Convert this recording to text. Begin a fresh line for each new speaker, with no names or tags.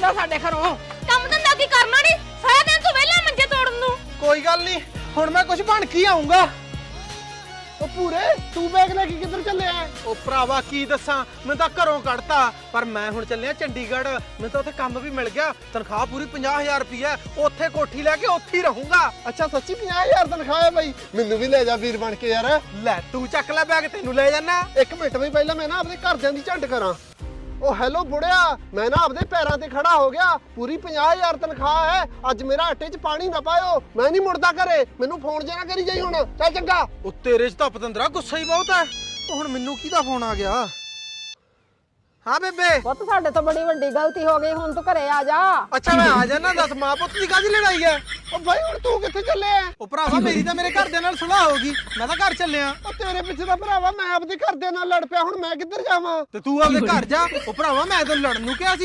ਜਾ ਸਾਡੇ ਘਰੋਂ।
ਕੰਮ ਧੰਦਾ ਕੀ ਕਰਨਾ ਨਹੀਂ, ਸਾਰਾ ਦਿਨ ਤੂੰ ਵਿਹਲਾ ਮੰਜੇ ਤੋੜਨ ਨੂੰ।
ਕੋਈ ਗੱਲ ਨਹੀਂ, ਹੁਣ ਮੈਂ ਕੁਝ ਬਣ ਕੇ ਆਉਂਗਾ।
ਉਹ ਪੂਰੇ ਤੂੰ ਬੈਗ ਲੈ ਕੇ ਕਿੱਧਰ ਚੱਲਿਆ?
ਉਹ ਭਰਾਵਾ ਕੀ ਦੱਸਾਂ, ਮੈਂ ਤਾਂ ਘਰੋਂ ਕੱਢਤਾ, ਪਰ ਮੈਂ ਹੁਣ ਚੱਲਿਆ ਚੰਡੀਗੜ੍ਹ। ਮੈਨੂੰ ਤਾਂ ਉੱਥੇ ਕੰਮ ਵੀ ਮਿਲ ਗਿਆ, ਤਨਖਾਹ ਪੂਰੀ 50,000 ਰੁਪਏ। ਉੱਥੇ ਕੋਠੀ ਲੈ ਕੇ ਉੱਥੇ ਹੀ ਰਹੂੰਗਾ।
ਅੱਛਾ ਸੱਚੀ 50,000 ਤਨਖਾਹ ਹੈ ਬਾਈ? ਮੈਨੂੰ ਵੀ ਲੈ ਜਾ ਵੀਰ ਬਣ ਕੇ ਯਾਰ।
ਲੈ ਤੂੰ ਚੱਕ ਲੈ ਬੈਗ, ਤੈਨੂੰ ਲੈ ਜਾਣਾ।
ਇੱਕ ਮਿੰਟ ਵੀ ਪਹਿਲਾਂ ਮੈਂ ਨਾ ਆਪਣੇ ਘਰਦਿਆਂ ਦੀ ਝੰਡ ਕਰਾਂ। ਉਹ ਹੈਲੋ ਬੁੜਿਆ, ਮੈਂ ਨਾ ਆਪਦੇ ਪੈਰਾਂ ਤੇ ਖੜਾ ਹੋ ਗਿਆ। ਪੂਰੀ 50,000 ਤਨਖਾਹ ਹੈ। ਅੱਜ ਮੇਰਾ ਆਟੇ 'ਚ ਪਾਣੀ ਨਾ ਪਾਇਓ, ਮੈਂ ਨਹੀਂ ਮੁੜਦਾ ਘਰੇ। ਮੈਨੂੰ ਫੋਨ ਜੇ ਨਾ ਕਰੀ ਜਾਈ ਹੁਣ। ਚੱਲ ਚੰਗਾ।
ਉਹ ਤੇਰੇ 'ਚ ਤਾਂ ਪਤੰਦਰਾ ਗੁੱਸਾ ਹੀ ਬਹੁਤ ਹੈ। ਉਹ ਹੁਣ ਮੈਨੂੰ ਕਿਹਦਾ ਫੋਨ ਆ ਗਿਆ? ਹਾਂ ਬੇਬੇ।
ਪੁੱਤ ਸਾਡੇ ਤੋਂ ਬੜੀ ਵੱਡੀ ਗਲਤੀ ਹੋ ਗਈ, ਹੁਣ ਤੂੰ ਘਰੇ ਆ ਜਾ।
ਅੱਛਾ ਮੈਂ ਆ ਜਾਣਾ, ਦੱਸ ਮਾਂ ਪੁੱਤ ਦੀ ਕਾਹਦੀ ਲੜਾਈ ਹੈ?
ਉਹ ਬਾਈ ਹੁਣ ਤੂੰ ਕਿੱਥੇ ਚੱਲਿਆ?
ਉਹ ਭਰਾਵਾ ਮੇਰੀ ਤਾਂ ਮੇਰੇ ਘਰਦਿਆਂ ਨਾਲ ਸੁਲਾਹ ਹੋ ਗਈ, ਮੈਂ ਤਾਂ ਘਰ ਚੱਲਿਆ।
ਉਹ ਤੇਰੇ ਪਿੱਛੇ ਦਾ ਭਰਾਵਾ ਮੈਂ ਆਪਦੇ ਘਰਦਿਆਂ ਨਾਲ ਲੜ ਪਿਆ, ਹੁਣ ਮੈਂ ਕਿੱਧਰ ਜਾਵਾਂ?
ਤੇ ਤੂੰ ਆਪਦੇ ਘਰ ਜਾ। ਉਹ ਭਰਾਵਾ ਮੈਂ ਤੈਨੂੰ ਲੜਨ ਨੂੰ ਕਿਹਾ ਸੀ।